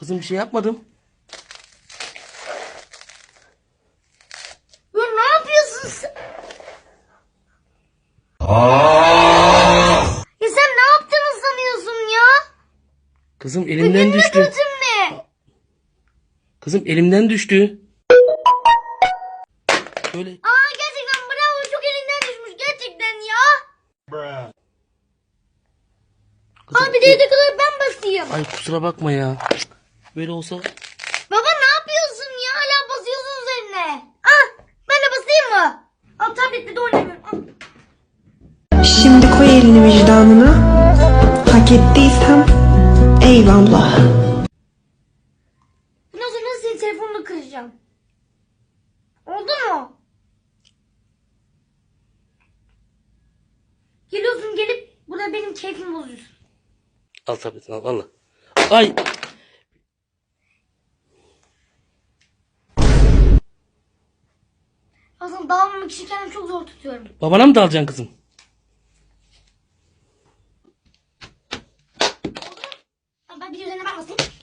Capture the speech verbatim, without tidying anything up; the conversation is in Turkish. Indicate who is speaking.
Speaker 1: Kızım bir şey yapmadım.
Speaker 2: Ya ne yapıyorsun sen? Ya sen ne yaptığını sanıyorsun ya?
Speaker 1: Kızım elimden düştü.
Speaker 2: Götün ne?
Speaker 1: Kızım elimden düştü. Böyle.
Speaker 2: Aa gerçekten bravo, çok elinden düşmüş gerçekten ya.
Speaker 1: Kızım,
Speaker 2: Abi de yedekleri ben basayım.
Speaker 1: ay kusura bakma ya. Böyle olsa.
Speaker 2: Baba ne yapıyorsun ya? Hala basıyorsun üzerine. Ah, ben de basayım mı? Al tablette de oynamıyorum. Al.
Speaker 3: Şimdi koy elini vicdanına. Hak ettiysem eyvallah.
Speaker 2: Bundan sonra senin telefonunu kıracağım. Oldu mu? Geliyorsun gelip burada benim keyfimi bozuyorsun.
Speaker 1: Al tabletini al valla. Ay.
Speaker 2: Aslında dağılmamak için kendimi çok zor tutuyorum.
Speaker 1: Babana mı dalacaksın kızım?
Speaker 2: Al, ben bir üzerine ben basayım.